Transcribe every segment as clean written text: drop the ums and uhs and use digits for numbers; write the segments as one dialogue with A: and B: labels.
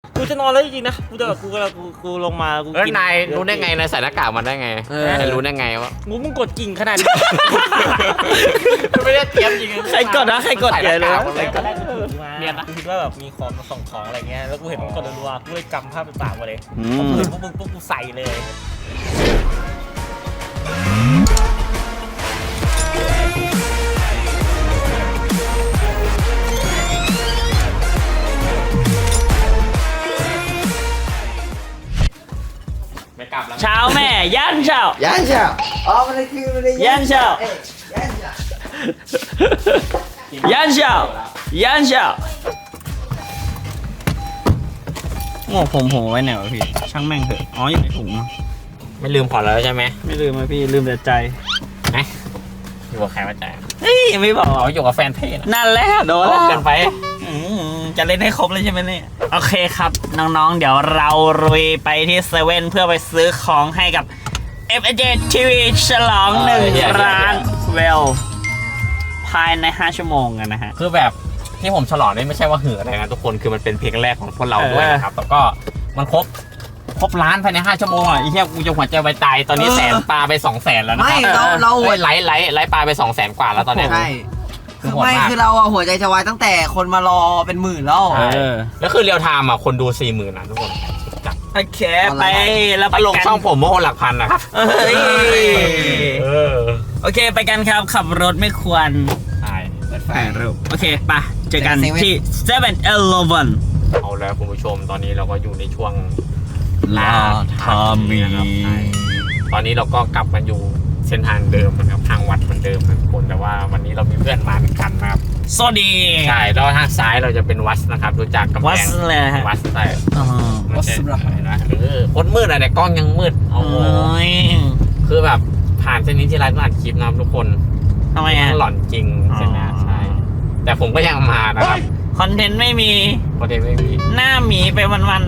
A: กูจะนอนแล้วจริงๆนะกูลงมากูกิน
B: นายรู้ได้ไงนายใส่หน้ากากมันได้ไงนายรู้ได้ไงวะ
A: มึงกดกิ่งขนาดนี้
B: ไม่ได้เตรียมจริง
A: ใครกดนะใครกดใหญ่เลย
B: เนี่ยนะ
A: คิดว่าแบบมีของมาส่งของอะไรเงี้ยแล้วกูเห็นมึงกดรัวๆกูเลยจำภาพต่างๆมาเลยพวกมึงปุ๊บกูใส่เลยเช้าแม่ย่านเช้า
C: อ๋อมันเลยคือมันเลย
A: ย่านเช้าย่านเช้าโง่ผมไว้ไหนวะพี่ช่างแม่งเถอะอ๋ออยู่ในถุง
B: ไม่ลืมขอแล้วใช่ไหม
A: ไม่ลืมไหมพี่ลืมแต่ใจ
B: นะอยู่กับใครมาใจ
A: เฮ้ยไม่บอก
B: อยู่กับแฟนเท่
A: นั่นแหละโดน
B: เกินไป
A: จะเล่นให้ครบเลยใช่ไหมเนี่ยโอเคครับน้องๆเดี๋ยวเราลุยไปที่เซเว่นเพื่อไปซื้อของให้กับ FJ TV ฉลอง1 ล้านเวลภายใน5 ชั่วโมงกันนะฮะ
B: คือแบบที่ผมฉลองนี่ไม่ใช่ว่าเหืออะไรนะทุกคนคือมันเป็นเพลงแรกของพวกเราด้วยนะครับแล้วก็มันครบล้านภายใน5 ชั่วโมงอ่ะไอ้เหี้ยกูจะหัวใจวายตายตอนนี้แสนปลาไป200,000แล้วนะครับ
C: ไม่เรา
B: ไลฟ์ปลาไป200,000 กว่าแล้วตอนนี้
C: ใช่คือเราหัวใจจะวายตั้งแต่คนมารอเป็นหมื่นแล้ว
B: แล้วคือเรียลไทม์อ่ะคนดู 40,000นะทุกคน
A: โอเคไปแล้ว
B: ไปลงช่องผมเมื่อคนหลักพันนะครับ
A: โอเคไปกันครับขับรถไม่ควร
B: ใช่
A: ไปเร็วโอเคไปเจอกันที่ 7-Eleven
B: เอาแล้วคุณผู้ชมตอนนี้เราก็อยู่ในช่วง
A: ลาทามี
B: นะครับตอนนี้เราก็กลับมาอยู่เส้นทางเดิมนะครับทางวัดเหมือนเดิมทุกคนแต่ว่าวันนี้เรามีเพื่อนมาเหมือนกันนะครับ
A: สวัสดี
B: ใช่แล้วทางซ้ายเราจะเป็นวัดนะครับดูจากกำแพง
A: วัดเลยฮะ
B: วัดใช่
C: วัดสุรา
B: นะคนมืดอะแต่กล้องยังมืดโอ้ยคือแบบผ่านเส้นนี้ที่ไลฟ์มาอัดคลิปนะทุกคน
A: ทำไมฮะ
B: หล่อนจริงใช่ไหมใช่แต่ผมก็ยังมานะครับ
A: คอนเทนต์ไม่มีหน้าหมีไปวัน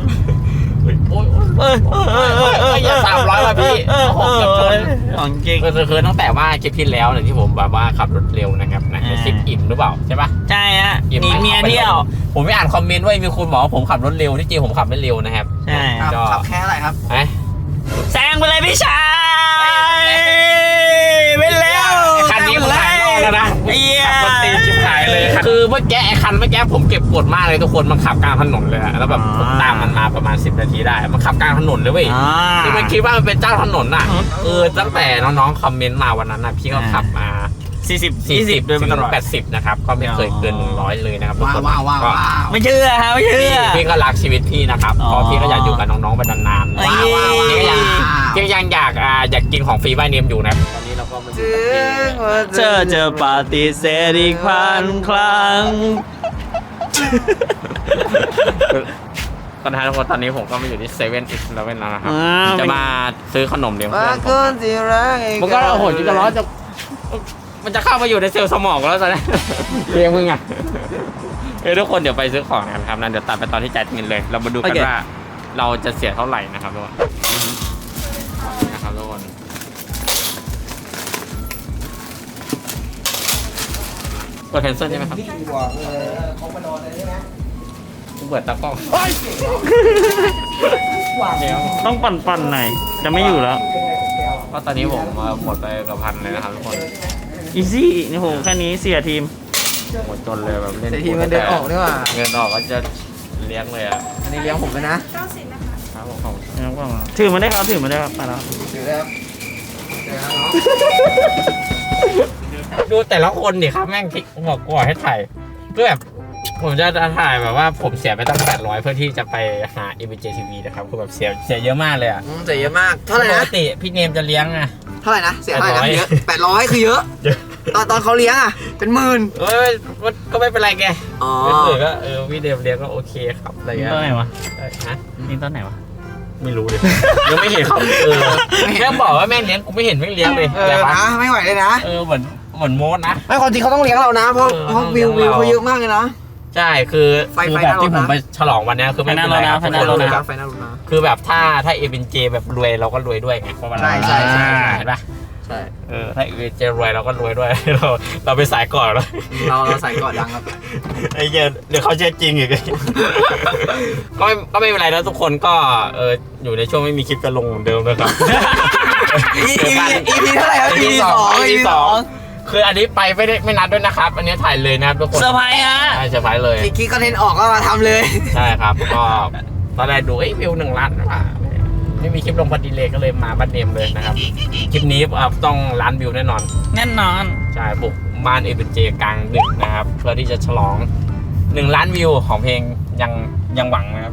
B: อย่า300ว่ะพี่6กับชน
A: ของจริง
B: คือตั้งแต่ว่าคลิปที่แล้วเนี่ยที่ผมแบบว่าขับรถเร็วนะครับนะคลิปอิ่มหรือเปล่าใช่ปะ
A: ใช่ฮะหนีเมียเที่ยว
B: ผมไม่อ่านคอมเมนต์ว่ามีคนบอกว่าผมขับรถเร็วที่จริงผมขับไม่เร็วนะครับ
A: ใช่
C: ขับแค่อะไรครับ
A: แซงไปเลยพี่ชายไปแล้ว
B: คันนี้ผมถ่ายรอบแล้วนะ
A: ไอ้เหี้ย
B: มันตีชิบหายเลยคือเมื่อกี้ไอ้คันเมื่อกี้ผมเก็บกดมากเลยทุกคนมันขับกลางถนนเลยแล้วแบบผมตามมันมาประมาณ10 นาทีได้มันขับกลางถนนเลยเว้ยที่มันคิดว่ามันเป็นเจ้าถนนน่ะตั้งแต่น้องๆคอมเมนต์มาวันนั้นนะพี่ก็ขับมา40ด้วยมันตลอด80นะครับก็ไม่เคยเกิน100เลยนะครับทุกคน
C: ก็
A: ไม่เชื่อฮะไม่เชื่อ
B: พี่ก็รักชีวิตพี่นะครับเพราะพี่ก็อยากอยู่กับน้องๆไปนานๆพี่ยังอยากกินของฟรีบ้านเนียมอยู่นะตอนนี้เราก็มา
A: จะปฏิเสธอีก1,000 ครั้ง
B: ตอนท้ายทุกคนตอนนี้ผมก็มาอยู่ที่7-Elevenแล้วนะครับจะมาซื้อขนมเลี้ยงเพื่อนมันก็โอ้โหจะร้อนมันจะเข้ามาอยู่ในเซลล์สมองแล้วตอนนี้เลี้ยงมึงอ่ะทุกคนเดี๋ยวไปซื้อของกันครับนั้นเดี๋ยวตัดไปตอนที่จ่ายเงินเลยเรามาดูกันว่าเราจะเสียเท่าไหร่นะครับทุกคนนะครับทุกคนกดแคนเซิลใช่ไหมครับเปิดตากล้อง
A: ต้องปั่นหน่อยจะไม่อยู่แล้ว
B: ก็ตอนนี้ผมหมดไปกับ1,000เลยนะครับทุกคน
A: อีซี่นี่โหแค่นี้เสียทีม
B: หมดจนเลยแบบเล่น
C: ทีมเดินออกด้วยว่ะ
B: เงินออกก็จะเลี้ยงเลยอ่ะ
C: อันนี้เลี้ยงผมเลยนะ
A: 90นะคะครับผมถือมาได้ครับไปแล้ว
C: ถือแล้ว
B: ดูแต่ละคนดิครับแม่งทิกบอกกูให้ถ่ายก็แบบผมจะถ่ายแบบว่าผมเสียไปตั้ง800เพื่อที่จะไปหา FJ TV นะครับคือแบบเสียเยอะมากเลยอ่ะ
C: เสียเยอะมากเท่าไหร่นะ
B: ปกติพี่เนมจะเลี้ยงอ่ะ
C: เท่าไหร่นะเสียเท่าไหร่นะเยอะ800คือเยอะตอนเขาเลี้ยงอ่ะเป็นหมื่น
B: ก็ไม่เป็นไรแกก็พี่เนมเลี้ยงก็โอเคครับอะไรเงี้ย
A: ต้นไหนวะ
B: นี่ต้นไหนวะไม่รู้เลยยังไม่เห็นเขาแม่บอกว่าแม่เลี้ยงกูไม่เห็นแม่เลี้ยงเลย
C: นะไม่ไหวเลยนะ
B: เหมือนโมดนะ
C: ไม่ความจริงเขาต้องเลี้ยงเรานะเพราะวิวเขาเยอะมากเลยนะ
B: ใช่คือแบบที่ผมไปฉลองวันนี้คือไม่เป็นไรครับคือแบบถ้าFJแบบรวยเราก็รวยด้วยไงเพราะว่า
C: ใช่
B: เห็นปะ
C: ใช่
B: ถ้าเอเจรวยเราก็รวยด้วย เราไปสายก่อนแล้ว
C: เราใส่ก่อนดังครับ
B: ไอ้เหี้ยเดี๋ยวเขาเชื่อจริงอีก ก็ไม่เป็นไรนะทุกคนก็อยู่ในช่วงไม่มีคลิปจะลงเหมือนเดิมนะครับ
C: EP เท่าไหร่ครับ EP 2
B: คืออันนี้ไปไม่นัดด้วยนะครับ อันนี้ถ่ายเลยนะครับทุกคน
A: เซอร์ไพรส์ฮะ
B: ใช่เซอร์ไพรส์เลย
C: คิดคอนเทนต์ออกก็มาทำเลย
B: ใช่ครับ ก็ตอนแรกดูวิว1 ล้านว่ะไม่มีคลิปลงพอดีเลยก็เลยมาบ้านเนมเลยนะครับ คลิปนี้ต้องล้านวิวแน่นอน
A: แน่นอน
B: ใช่บุกบ้านเอเบนเจกลางดึกนะครับ เพื่อที่จะฉลอง1 ล้านวิวของเพลงยังหวังนะครับ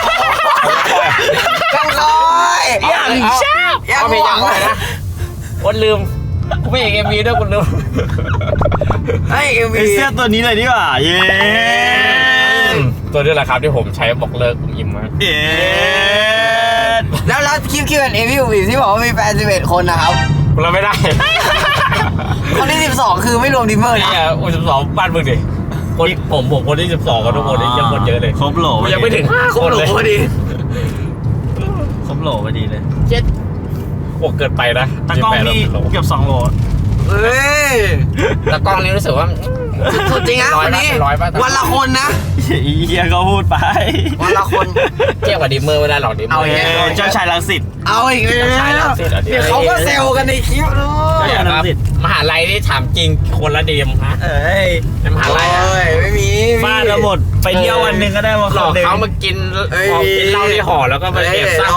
C: ยังลอย
B: ยังชอบเอาเพลงยังหวังนะคนลืมกูไม่เห็นMVด้วยคุณลืม
C: ไอ้ MV
A: เสื้อตัวนี้เลยดีกว่า เย้
B: ตัวนี้แหละครับที่ผมใช้บอกเลิกคุณอิมมา
A: เย้
C: แล้วคลิปQ&Aพี่อุ๋ยที่บอกว่ามีแฟน11 คนนะครับ
B: เราไม่ได้
C: คนที่12คือไม่รวมดิมเมอร์
B: นี่
C: นะ
B: อ่ะ12บ้านมึงดิผมคนที่12กับทุกคนนี่ยังคนเยอะเลย
A: ครบโหล
B: ยังไม่ถึง5 คนเลย
C: พอดี
A: ครบโหลพอดีเลย
B: เจ็ดโอ้เกินไปนะ
A: ตากล้องนี่เกือบ2 โหล
C: เฮ้ย
B: ตากล้องนี่รู้สึกว่า
C: สุดจริงนะวันนี้
B: ร้อยป่ะ
C: วันละคนนะ
A: เฮียก็พูดไป
C: วันละคน
B: เทียบกับดิมเมอร์ไม่ได้หรอกดิมเมอร์
A: เจ้าชายรังสิต
C: เอาอีกแล้ว
B: ใช่แล้วสิ
C: เดี๋ยวเขาก็เซลกันในคลิปด้ว
B: ใช่
C: ย
B: ครับมหาลัยนี่ถามจริงคนละดีมฮะ
A: เอ้ย
B: ในมหาลัยอะ
C: โอ้ยไม่มี
A: ฟาดมาหมดไปเที่ยววันหนึ่งก็ได้มา
B: หล
A: ค
B: อน ก
A: หนึ่ง
B: เขามากินเหล้าที่ห่อแล้วก็มาแอบซ่า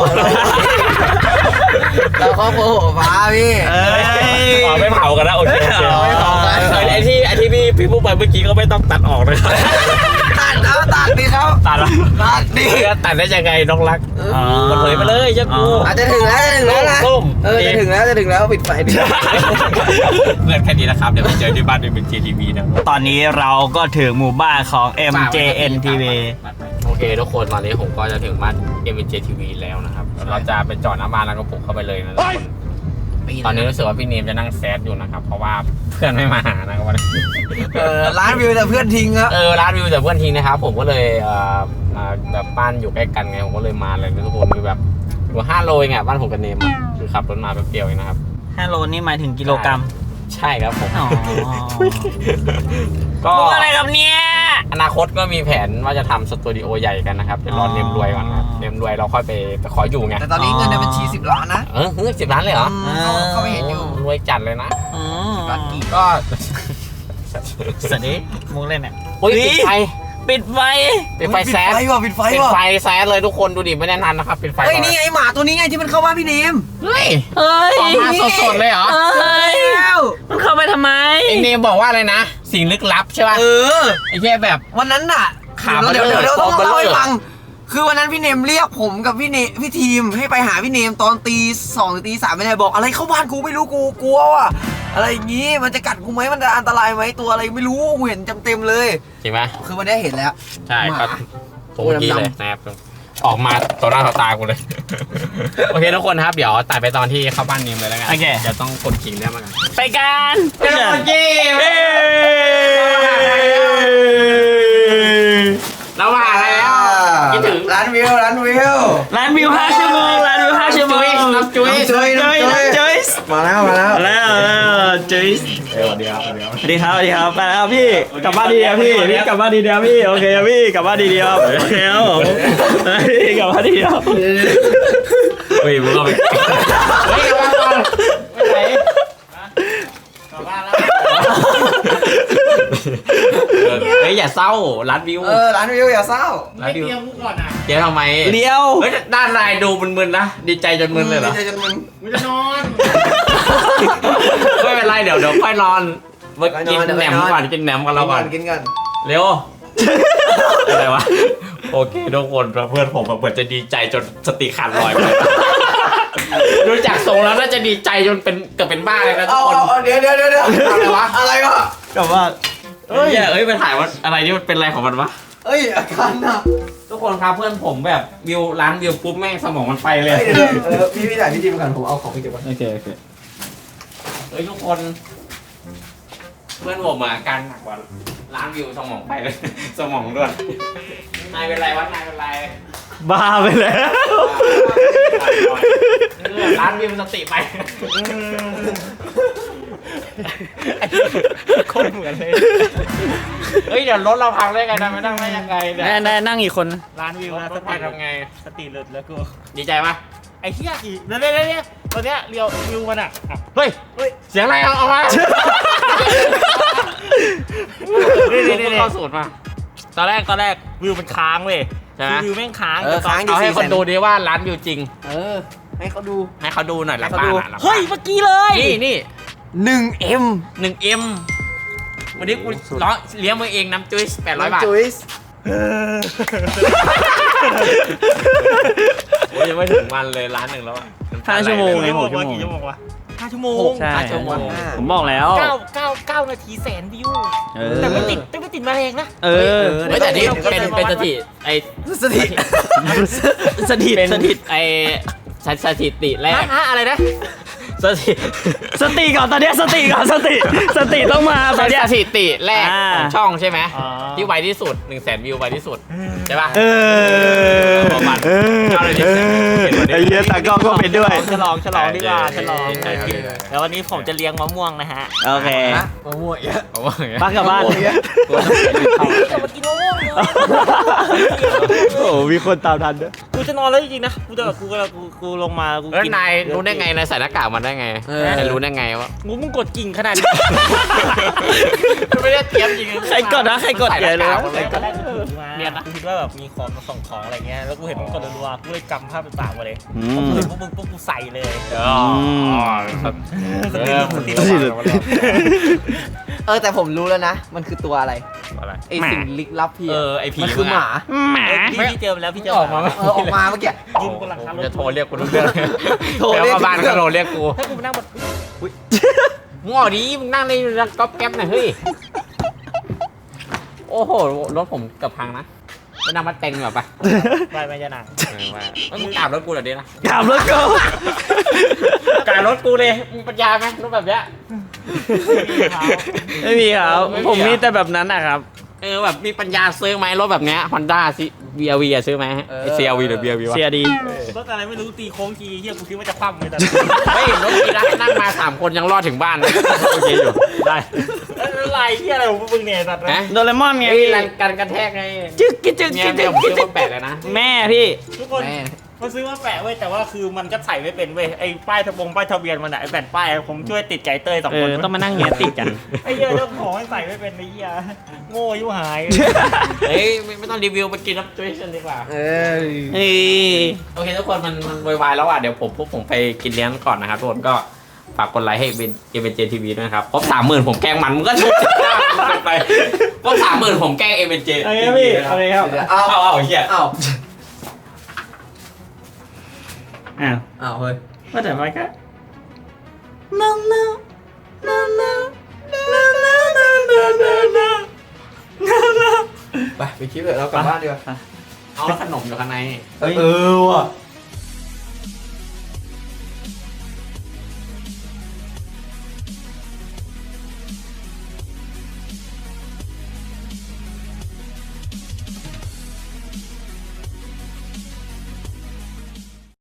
C: เราครอบครัวหัวฟ้าพี่
A: เอ้ย
B: ไม่เผากันนะโอเค
C: ไม่เผากัน
B: ไอ้ที่พี่พูดไปเมื่อกี้ก็ไม่ต้องตัดออกนะครับ
C: ตัดดิครับ
A: ตัดละ
C: ตัดดิ
B: ตัดได้ยังไงน้องรัก
A: อ๋อ
B: มันเผยไปเลยเจ้ากู
C: อาจจะถึงแล้วนะ
B: ส้ม
C: จะถึงแล้วปิดไฟดิ
B: เพื่อนแค่นี้นะครับเดี๋ยวไปเจอที่บ้านเป็น JTV นะ
A: ตอนนี้เราก็ถึงหมู่บ้านของ MJNTV
B: โอเคทุกคนตอนนี้ผมก็จะถึงบ้าน MJTV แล้วนะครับเราจะไปจอดหน้าบ้านแล้วก็ปลุกเข้าไปเลยนะทุกคนตอนนี้รู้สึกว่าพี่เนมจะนั่งแซดอยู่นะครับเพราะว่าเพื่อนไม่มาหานะครับวันนี้
C: ร้านวิวแต่เพื่อนทิ้งครับ
B: ร้านวิวแต่เพื่อนทิ้งนะครับผมก็เลยแบบบ้านอยู่ใกล้กันไงผมก็เลยมาเลยทุกคนคือแบบอยู่5 โลเองอ่ะบ้านผมกับเนมคือขับรถมาแป๊บเดียวเองนะครับ
A: 5 โลนี่หมายถึงกิโลกรัม
B: ใช่ครับผม
A: อ๋อ
B: ก็
A: พูดอะไรกับเนี่ย
B: อนาคตก็มีแผนว่าจะทำสตูดิโอใหญ่กันนะครับเดี๋ยวรอเนมรวยก่อนนะครับเนมรวยเราค่อยไปขออยู่ไง
C: แต่ตอนนี้เงินในบัญชี10 ล้านนะ
B: 10 ล้านเลยเหรอ
C: เขาไม่เห็นอยู่
B: รวยจัดเลยนะ
A: อืม
C: ล้านกี่
B: ก็
A: สวัสดีมุกเล่นเนี่ย
B: อุ้ยปิดไฟ
A: ปิดไฟ
B: ปิดไฟแซด
C: ปิดไฟ
B: ปิด
C: ว่ะ
B: ไฟแซดเลยทุกคนดูดิไม่แน่นอนนะครับปิดไฟ
C: เฮ้ยนี่ไงหมาตัวนี้ไงที่มันเข้าบ้านพี่เนม
B: เฮ้ย
A: เฮ้ย
B: ออกมาสดๆเลยเหรอ
A: เฮ้ย
C: แล้ว
A: มันเข้าไปทำไม
B: ไอเนมบอกว่าอะไรนะ สิ่งลึกลับใช่ป่ะ ไอ้แค่แบบ
C: วันนั้นน่ะ
B: ขา
C: เดี๋ยว
B: เบลอ
C: เดี๋ยวต้อง
B: เบลอ
C: เล่าให้ฟัง คือวันนั้นพี่เนมเรียกผมกับพี่ทีมให้ไปหาพี่เนมตอนตี2ถึงตี3ไม่ได้บอกอะไรเข้าบ้านกูไม่รู้กูกลัวว่ะอะไรอย่างงี้มันจะกัดกูไหมมันจะอันตรายไหมตัวอะไรไม่รู้กูเห็นเต็มๆเลย
B: จริงไหม
C: คือวันนี้เห็นแล้ว
B: ใช่
C: หมา
B: ก็ผมเมื่อกี้เลยนะครับออกมาต่อหน้าต่อตากูเลย โอเคทุกคนครับเดี๋ยวตัดไปตอนที่เข้าบ้านเนมเลยแล้วกัน
A: โอเค
B: เดี๋ยวต้องกดกิ่งได้มากัน
A: ไปกัน
B: เจ้าเก้เรามาอะไรแล้วคิดถึง
C: ร้านวิว
A: ร้านวิว5 ชั่วโมงร้านวิว5 ชั่วโมง
B: น้องจุ้ย
A: จุ้ยจุ้ย
C: มาแล้ว
A: แล้วจุ้ย
B: เดี๋ยว
A: สวัสดีครับไปแล้วครับพี่กลับบ้านดีเดียวพี่กลับบ้านดีเดียวพี่โอเคครับพี่กลับบ้านดีเดียวโอเคครับผมพี่กลับบ้านดีเดียว
B: เฮ้ยมึงก็ไปเฮ้ยกลับบ้านก่อนไปไหนกลับบ้านแล้วเฮ้ยอย่าเศร้าร้านวิว
C: ร้านวิวอย่าเศร้า
B: ร้านวิวเดี๋ยวทำไม
A: เดียว
B: เฮ้ยด้านในดูมึนๆนะดีใจจนมึนเลยเหรอ
C: ใจจนมึน
B: ไม่จะนอนไม่เป็นไรเดี๋ยวค่อยนอนมากินแหนมก่อนกินแหนมกันเราก่อน
C: กินกัน
B: เร็วอะไรวะโอเคทุกคนเพื่อนผมเหมือนจะดีใจจนสติขาดลอยไปดูจากทรงแล้วน่าจะดีใจจนเป็นเกือบเป็นบ้าเลยนะทุกคน
C: เดี๋ยวอะไรวะอะไรวะ
A: กลับบ้าน
B: เฮ้ยไปถ่ายว่าอะไรนี่มันเป็นอะไรของมันวะ
C: เอ้ยอาการหนัก
B: ทุกคนครับเพื่อนผมแบบวิวร้านวิวปุ๊บแม่งสมองมันไปเลย
C: เดี๋ยวพี่ถ่ายพี่ทีมกันผมเอาของไปเก็บไว้
B: โอเคเฮ้ยทุกคน เพื่อนผมอาการหนักกว่าร้านวิวสมองไปเลย สมองด้วยนายเป็นไรวะนายเป็นไร
A: บ้าไปแล้ว
B: ร้านวิวสติไปโคตรเหมือนเลยเฮ้ยเดี๋ยวรถเราพังได้ไงนะไม่นั่งได้ยังไงเนี่ย
A: แน่นั่งอีกคน
D: ร้านวิวนะ
B: รถไปทำไง
D: สติหลุดแล้วกู
B: ดีใจปะ
D: ไอ้เหี้ยอีกเนี่ยตอนเนี้ยเรียววิวมันอ่ะ
B: เฮ้ยเสียงอะไรเอามาเข้าสูตรมา
D: ตอนแรกวิวมันค้างเว้ย
B: ใช่ไหม
D: วิวแม่งค้าง
C: ค้าง
B: เอาให้คนดูดิว่าร้านวิวจริง
C: ให้เขาดู
B: ให้เขาดูหน่อยหลัง
C: ให้เขา
B: บ้าน
C: ดู
B: อะหลังบ้าน
D: เฮ้ยเมื่อกี้เลย
B: นี่
C: 1M
B: 1M วันนี้กูร้องเลี้ยงมึงเองน้ำจุ้ย800 บาท
C: จุ๊ย
B: โอ้ยยังไม่ถึงวันเลยร้านหนึ่งแล้วอะ
A: 5 ชั่วโมงไง
D: กี่ชั่วโมงวะ5 ชั่วโมง
A: ใช่
B: 5 ชั่วโมง
A: ผมบอกแล้ว
D: 9 นาทีแสนวิว
A: เออ
D: แต่ไม่ติดมาแรงนะ
A: เออ
B: เฮ้ยแต่นี่เป็นสถิติไอ
C: สถิติ
A: สถิต
B: เป็น
A: สถิต
B: ไอสถิติแรก
D: อะไรนะ
B: สถิติ
A: สติก่อนตอนเนี้ยสติก่อนสติต้องมาตอนเนี้ย
B: สถิติแรก
A: อ่า
B: ของช่องใช่ไหม
D: อ๋อ
B: ที่ไวที่สุด 100,000 วิวไวที่สุดใช่ป่ะ
A: เออ
B: ประมาณ
A: เออ
B: เอาเลยดิ
A: ไอ้เหี้ยตากล้องก็เป็นด้วย
D: ฉลองดีกว่าฉลอง
B: ใช่
D: แล้ววันนี้ผมจะเลี้ยงมะม่วงนะฮะ
A: โอเค
C: มะม่วงเยอะ
B: ผมว่าอย่างเงี้ย
A: ปักกลับบ้าน
D: จะมากินมะม่วงเลย
A: โอ้มีคนตามทันด้วย
D: กูจะนอนแล้วจริงๆนะกูลงมากู
B: แล้ว
D: กิน
B: นายรู้ได้ไงนายใส่หน้ากากมันได้ไงนายรู้ได้ไงว่า
D: มึงกดกิ่งขนาดนี้
B: ไม่ได้เตรียมจริง
A: ใครกดนะใครกด
B: ใส่ห
A: ใหญ่
B: น้า
A: เลย
B: กากหมดเลย
D: ตอนแรกกูถือมาเนี่ยนะกูคิดว่าแบบมีของมาส่งของอะไรเงี้ยแล้วกูเห็นมันกดรัวๆกูเลยจำภาพต่างๆมาเลย
A: อื
D: พอ
A: ม
D: กูเห็นพวกมึงปุ๊บกูใส่เลย
C: แต่ผมรู้แล้วนะ มันคือตัวอะไร
B: อะไร
C: ไอสิ่งลึกลับพี่
B: ไอผี
C: มันคือหมา
A: หมา
D: พี่เจอมาแล้วพี่เจอ
B: ออกมาไหม
C: ออกมาเมื่อกี้
D: ยืนบนหลังคารถ
B: จะโทรเรียกกูทุกเรื่อง
C: โทรเรียก
B: แล้วบ้านก็โทรเรียกกู
D: ถ้ากูไปนั่งบน
B: มึงออกดิมึงนั่งในก๊อปแก๊ปหน่อยเฮ้ยโอ้โหรถผมเกือบพังนะไปนั่งมาเต็งแบบไป
D: ไปจะหนัง
B: มึงกราบรถกูเหรอเดี๋ยวนะ
A: กลับแล้วก็
B: กราบรถกูเลยมึงปัญญาไหมรถแบบเนี้ย
A: ไม่มีครับผมมีแต่แบบนั้นนะครับ
B: แบบมีปัญญาซื้อไหมรถแบบเนี้ย Honda BRV อะซื้อไหมไอ CRV หรือ BRV วะ
A: เสียดี
D: รถอะไรไม่รู้ตีโค้งทีเฮียกูคิดว่าจะคว่ำเลยแต่
B: เฮ้ยรถดีนะนั่งมา3 คนยังรอดถึงบ้านเลยโอเคอยู่ได้
D: อะไรเฮียอะไรของมึงเนี่ยสัตว์
B: นะ
A: โดเรมอนไง
B: ไอ้
A: พี่
B: การกระแทกไง
A: จึ๊กกิ๊กจึ๊ก
B: เมีย
A: กิ๊ก
B: เมี
A: จึ๊
B: ย
A: ก
B: ผม
A: กิ๊ก
B: ซื้อมาแปะเลยนะ
A: แม่พี่
D: ทุกคนเขาซื้อมาแปะเว้ยแต่ว่าคือมันก็ใส่ไม่เป็นเว้ยไอ้ป้ายทะเบียนมันอะไอ้แผ่นป้ายผมช่วยติดใจเตย2 คน
A: ต้องมานั่งเงี้ยติดกัน
D: ไอ้เหี้ยเจ้าของมันใส่ไม่เป็นไอ้เหี้ยโง่ยุ่หาย
B: เฮ้ยไม่ต้องรีวิวไปกินน้ำจุ้ยกันดีกว่า
A: เฮ้ย
B: โอเคทุกคนมันวายแล้วอ่ะเดี๋ยวผมไปกินเลี้ยงก่อนนะครับทุกคนก็ฝากกดไลค์ให้เป็นเจทีวีด้วยนะครับครบ 30,000 ผมแกล้งมันก็ถูกไปครบ 30,000 ผมแกล้งเป็นเจ
D: เอาไงพี่เอาไงครับ
B: เอาเฮีย
C: อ้าว
A: อ้าว
C: อ้าวเฮ้ย
A: ว่าแต่ว่าก็
C: ไปคิดเลยเรากลับบ้านดีกว่า
B: เอาแล้วขนมอยู่ข้างใน
C: เออว่ะ